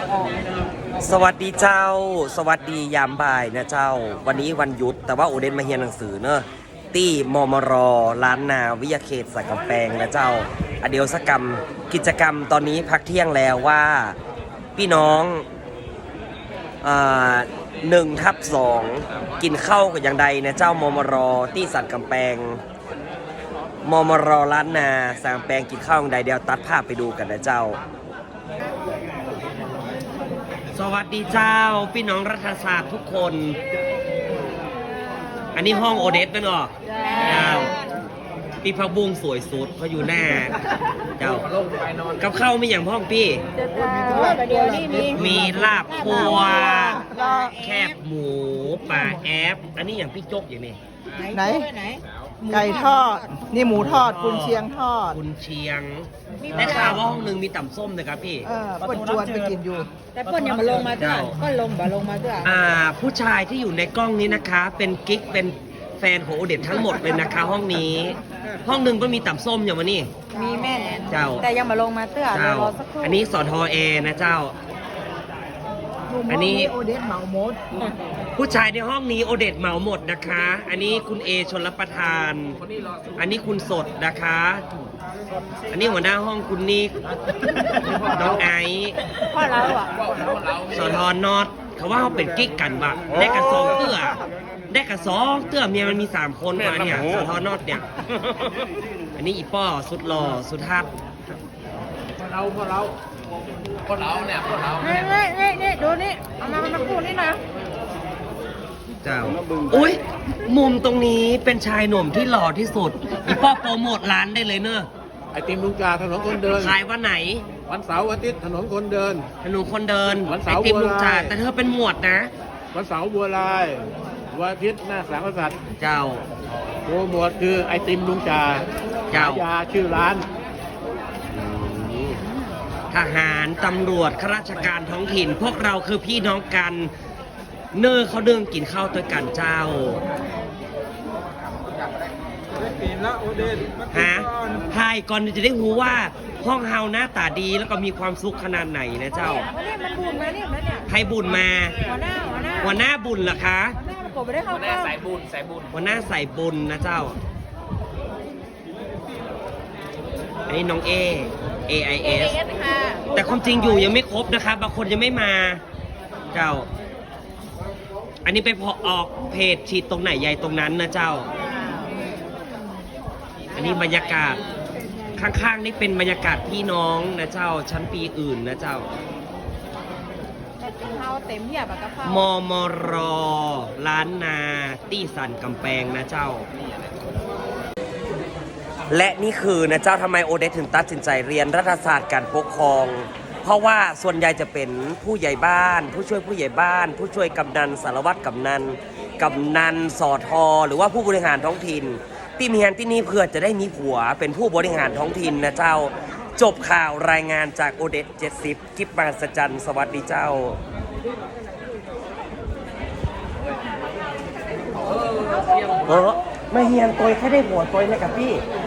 สวัสดีเจ้าสวัสดียามบ่ายนะเจ้าวันนี้วันหยุดแต่ว่าโอเดนมาเรียนหนังสือเนอะที่มมรล้านนาวิทยาเขตสักกำแพงนะเจ้าอเดียวสกรรมกิจกรรมตอนนี้พักเที่ยงแล้วว่าพี่น้อง1/2กินข้าวกับอย่างใดนะเจ้ามมรที่สักกำแพงมมรล้านนาสักกำแพงกินข้าวอย่างใดเดี๋ยวตัดภาพไปดูกันนะเจ้าสวัสดีเจ้าพี่น้องรัฐศาสตร์ทุกคนอันนี้ห้องโอเดสเป็นหรอเจ้าพี่พักบุ้งสวยสุดเขาอยู่หน้าเจ้ากับข้าวมีอย่างพ่องพี่มีลาบพัวแคบหมูปลาแอปอันนี้อย่างพี่จกอย่างนี้ไหนไก่ทอดนี่หมูทอดกุนเชียงทอดกุนเชียงได้ข่าวว่าห้องหนึ่งมีต่ำส้มนะครับพี่เปิ้ลจวนไปกินอยู่แต่เปิ้ลยังมาลงมาด้วยก็ลงมาด้วยผู้ชายที่อยู่ในกล้องนี้นะคะเป็นกิ๊กเป็นแฟนของโอเดตทั้งหมดเลยนะคะห้องนี้ห้องหนึ่งก็มีต่ำส้มอย่างมานี่มีแม่เจ้าแต่ยังมาลงมาเตื้อเจ้าอันนี้สทเอนะเจ้าอันนี้โอเดตเหมาหมดผู้ชายในห้องนี้โอเดตเหมาหมดนะคะอันนี้คุณเอชลประทานอันนี้คุณสดนะคะอันนี้หัวหน้าห้องคุณนิกน้องไอพ่อเราอ่ะสทนอตเขาว่าเขาเป็นกิ๊กกันวะได้กระสองเตื้อเมียมันมี3คนมาเนี่ยสทนอตเนี่ยอันนี้อีป้อสุดหล่อสุดฮักพวกเรานี่ดูนี่เอามาพูดนี่นะเจ้าอุ้ยมุมตรงนี้เป็นชายหนุ่มที่หล่อที่สุดอีป้อโปรโมทร้านได้เลยเนอะไอติมลุงจาถนนคนเดินขายวันไหนวันเสาร์วันอาทิตย์ถนนคนเดินวันเสาร์ไอติมลุงจาแต่เธอเป็นหมวดนะวันเสาร์บัวลายวันอาทิตย์หน้าสามกษัตริย์เจ้าโปรโมทคือไอติมลุงจาเจ้ายาชื่อร้านทหารตำรวจข้าราชการท้องถิ่นพวกเราคือพี่น้องกันเนื้อเขาเดินกินข้าวด้วยกันเจ้าฮะไทยก่อนจะได้รู้ว่าห้องเฮาหน้าตาดีแล้วก็มีความสุขขนาดไหนนะเจ้าใครบุญมาหัวหน้าบุญเหรอคะผมไม่ได้เข้าข้าวหัวหน้าใส่บุญนะเจ้าอันนี้น้องAIS แต่ความจริงอยู่ยังไม่ครบนะคะบางคนยังไม่มาเจ้าอันนี้ไปพอออกเพจฉีดตรงไหนใหญ่ตรงนั้นนะเจ้าอันนี้บรรยากาศข้างๆนี่เป็นบรรยากาศพี่น้องนะเจ้าชั้นปีอื่นนะเจ้ามมรล้านนาตี้สันกำแพงนะเจ้าและนี่คือนะเจ้าทำไมโอเดสถึงตัดสินใจเรียนรัฐศาสตร์การปกครองเพราะว่าส่วนใหญ่จะเป็นผู้ใหญ่บ้านผู้ช่วยผู้ใหญ่บ้านผู้ช่วยกำนันสารวัตรกำนันสอทอหรือว่าผู้บริหารท้องถิ่นที่มีงานที่นี่เพื่อจะได้มีผัวเป็นผู้บริหารท้องถิ่นนะเจ้าจบข่าวรายงานจากโอเดส70กิบมาสจันสวัสดีเจ้ามาเฮียนตัวแค่ได้ผัวตัวเลยกับพี่